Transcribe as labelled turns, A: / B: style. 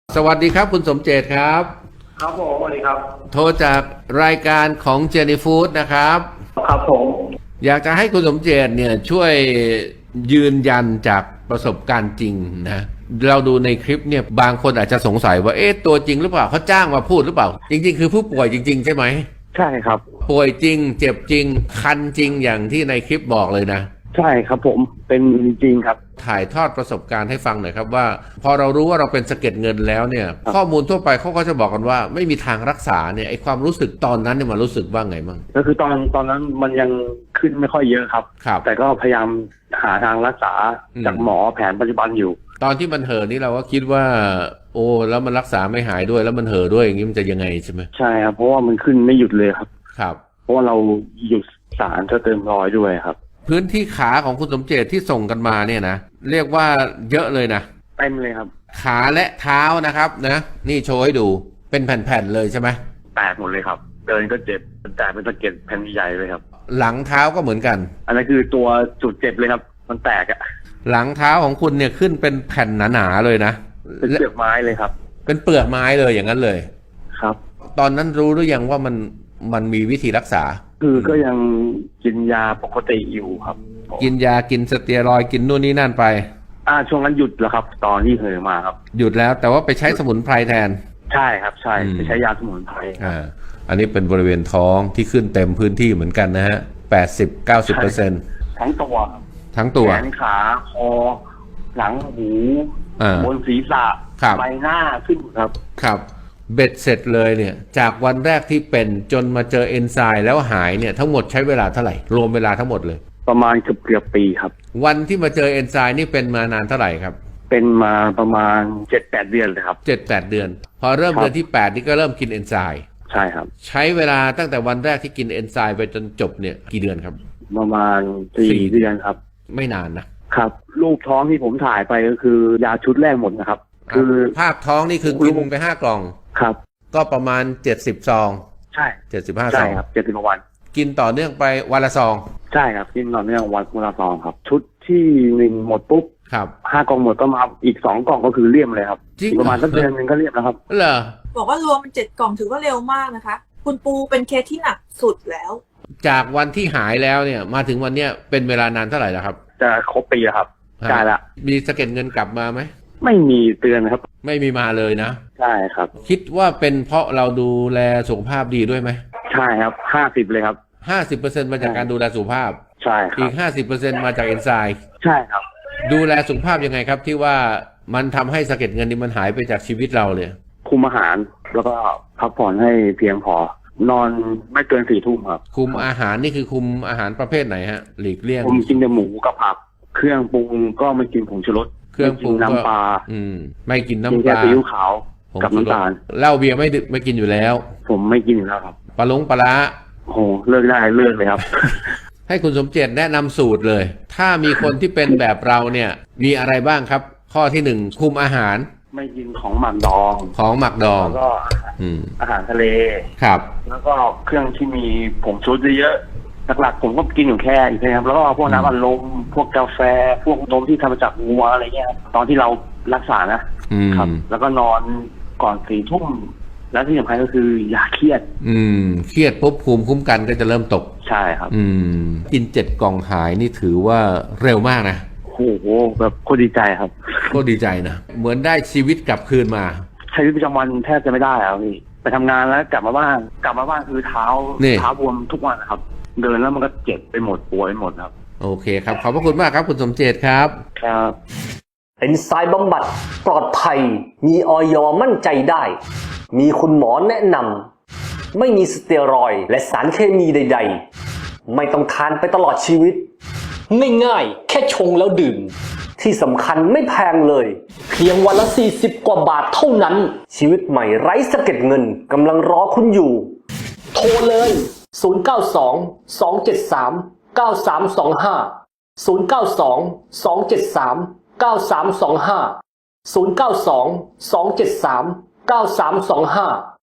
A: สวัสดีครับคุณสมเจตครับ
B: ครับผมสวัสดีครับ
A: โทรจากรายการของเจนี่ฟู้ดนะครับ
B: ครับผม
A: อยากจะให้คุณสมเจตเนี่ยช่วยยืนยันจากประสบการณ์จริงนะเราดูในคลิปเนี่ยบางคนอาจจะสงสัยว่าตัวจริงหรือเปล่าเขาจ้างมาพูดหรือเปล่าจริงๆคือผู้ป่วยจริงๆใช่ไหม
B: ใช่ครับ
A: ป่วยจริงเจ็บจริงคันจริงอย่างที่ในคลิปบอกเลยนะ
B: ใช่ครับผมเป็นจริงครับ
A: ถ่ายทอดประสบการณ์ให้ฟังหน่อยครับว่าพอเรารู้ว่าเราเป็นสะเก็ดเงินแล้วเนี่ยข้อมูลทั่วไปเขาก็จะบอกกันว่าไม่มีทางรักษาเนี่ยไอความรู้สึกตอนนั้นเนี่ยมันรู้สึกว่าไงบ้าง
B: ก็คือตอนนั้นมันยังขึ้นไม่ค่อยเยอะครับแต่ก็พยายามหาทางรักษาจากหมอแผนปัจจุบันอยู่
A: ตอนที่มันเห่อนี่เราก็คิดว่าโอ้แล้วมันรักษาไม่หายด้วยแล้วมันเห่อด้วยอย่างนี้มันจะยังไงใช่ไหม
B: ใช่ครับเพราะว่ามันขึ้นไม่หยุดเลยครับ
A: ครับ
B: เพราะว่าเราหยุดสารเติมรอยด้วยครับ
A: พื้นที่ขาของคุณสมเจตที่ส่งกันมาเนี่ยนะเรียกว่าเยอะเลยนะ
B: เต็มเลยครับ
A: ขาและเท้านะครับนะนี่โชว์ให้ดูเป็นแผ่นๆเลยใช่ไหม
B: แตกหมดเลยครับเดินก็เจ็บแตกเป็นสะเก็ดแผ่นใหญ่เลยครับ
A: หลังเท้าก็เหมือนกัน
B: อันนั้นคือตัวจุดเจ็บเลยครับมันแตกอะ
A: หลังเท้าของคุณเนี่ยขึ้นเป็นแผ่นหนาๆเลยนะ
B: เป็นเปลือกไม้เลยครับ
A: เป็นเปลือกไม้เลยอย่างนั้นเลย
B: ครับ
A: ตอนนั้นรู้หรือยังว่ามันมีวิธีรักษา
B: คือก็ยังกินยาปกติอยู่ครับ
A: กินยากินสเตียรอยด์กินนู่นนี่นั่นไป
B: ช่วงนั้นหยุดแล้วครับตอนที่เหอมาครับ
A: หยุดแล้วแต่ว่าไปใช้สมุนไพรแทน
B: ใช่ครับใช่ไปใช้ยาสมุนไพร
A: อันนี้เป็นบริเวณท้องที่ขึ้นเต็มพื้นที่เหมือนกันนะฮะ80-90%
B: ทั้งตัว
A: ทั้งตัว
B: แขนขาคอหลังหูบนศีรษะใบหน้าขึ้นครับ
A: ครับเบ็ดเสร็จเลยเนี่ยจากวันแรกที่เป็นจนมาเจอเอนไซม์แล้วหายเนี่ยทั้งหมดใช้เวลาเท่าไหร่รวมเวลาทั้งหมดเลย
B: ประมาณเกือบปีครับ
A: วันที่มาเจอเอนไซม์นี่เป็นมานานเท่าไหร่ครับ
B: เป็นมาประมาณ 7-8 เดือนเลยครับ
A: 7-8 เดือนพอเริ่มเดือนที่8นี่ก็เริ่มกินเอนไซม์
B: ใช่ครับ
A: ใช้เวลาตั้งแต่วันแรกที่กินเอนไซม์ไปจนจบเนี่ยกี่เดือนครับ
B: ประมาณ4 เดือนครับ
A: ไม่นาน
B: นะครับรูปท้องที่ผมถ่ายไปก็คือยาชุดแรกหมดนะครับ
A: คือภาพท้องนี่คือกินไป5 กล่อง
B: ครับ
A: ก็ประมาณ70 ซอง
B: ใช่
A: 75 ซอง
B: ครับ70 วัน
A: กินต่อเนื่องไปวันละซอง
B: ใช่ครับกินต่อเนื่องวันละซองครับชุดที่1หมดปุ๊บ
A: ครับ
B: 5 กล่องหมดก็มาอีก2 กล่องก็คือเลี่ยมเลยครับประมาณสักเดือนนึงก็เลี่ยมแล้วครับ
A: เหรอ
C: บอกว่ารวมเป็น7 กล่องถือว่าเร็วมากนะคะคุณปูเป็นเคสที่หนักสุดแล้ว
A: จากวันที่หายแล้วเนี่ยมาถึงวันเนี้ยเป็นเวลานานเท่าไหร่แล้วครับ
B: จะครบปีแล้วครับใช่ละ
A: มีสะเก็ดเงินกลับมาไหม
B: ไม่มีเตือนครับ
A: ไม่มีมาเลยนะ
B: ใช่ครับ
A: คิดว่าเป็นเพราะเราดูแลสุขภาพดีด้วยไหม
B: ใช่ครับ50เลยครับ
A: 50%มาจากการดูแลสุขภาพ
B: ใช่ครับ
A: อีก50%มาจากเอนไซม์
B: ใช่ครับ
A: ดูแลสุขภาพยังไงครับที่ว่ามันทำให้สะเก็ดเงินนี่มันหายไปจากชีวิตเราเลย
B: คุมอาหารแล้วก็พักผ่อนให้เพียงพอนอนไม่เกิน4 ทุ่มครับ
A: คุมอาหารนี่คือคุมอาหารประเภทไหนฮะหลีกเลี่ยง
B: ผมกินแต่หมูกับผักเครื่องปรุงก็ไม่กินผงชูรส
A: เครื่องปรุง
B: น้ำปลา
A: ไม่กินน้ำ
B: ปลาซีอิ๊วขาวกับน้ำตาล
A: เหล้าเบียร์ไม่กินอยู่แล้ว
B: ผมไม่กินอยู่แล้วครับ
A: ปลาร้า
B: โอ้เลิกได้เลิกเลยครับ
A: ให้คุณสมเจตแนะนำสูตรเลยถ้ามีคนที่เป็นแบบเราเนี่ยมีอะไรบ้างครับข้อที่1คุมอาหาร
B: ไม่กินของหมักดองแล้วก็อาหารทะเล
A: ครับ
B: แล้วก็เครื่องที่มีผงชูรสเยอะหลักๆผมก็กินอยู่แค่อีกนะครับแล้วก็พวกน้ำอัดลมพวกกาแฟพวกนมที่ทำมาจากงัวอะไรเงี้ยตอนที่เรารักษานะครับแล้วก็นอนก่อน4 ทุ่มแล้วที่สำคัญก็คืออย่าเครียด
A: เครียดปุ๊บภูมิคุ้มกันก็จะเริ่มตก
B: ใช่ครับ
A: กิน7 กล่องหายนี่ถือว่าเร็วมากนะ
B: โอ้โหแบบโคตรดีใจครับ
A: โคตรดีใจนะเหมือนได้ชีวิตกลับคืนมา
B: ใช้ชีวิตประจำวันแทบจะไม่ได้ครับพี่ไปทำงานแล้วกลับมาบ้านคือเท้าบวมทุกวันนะครับเดินแล้วมันก็เจ็บไปหมดปวดไปหมดครับ
A: โอเคครับขอบพระคุณมากครับคุณสมเจตครับ
B: ครับ
D: เอนไซม์บำบัดปลอดภัยมีอย.มั่นใจได้มีคุณหมอแนะนำไม่มีสเตียรอยด์และสารเคมีใดๆไม่ต้องทานไปตลอดชีวิตง่ายๆแค่ชงแล้วดื่มที่สำคัญไม่แพงเลยเพียงวันละ40 กว่าบาทเท่านั้นชีวิตใหม่ไร้สะเก็ดเงินกำลังรอคุณอยู่โทรเลย092-273-9325 092-273-9325 092-273-9325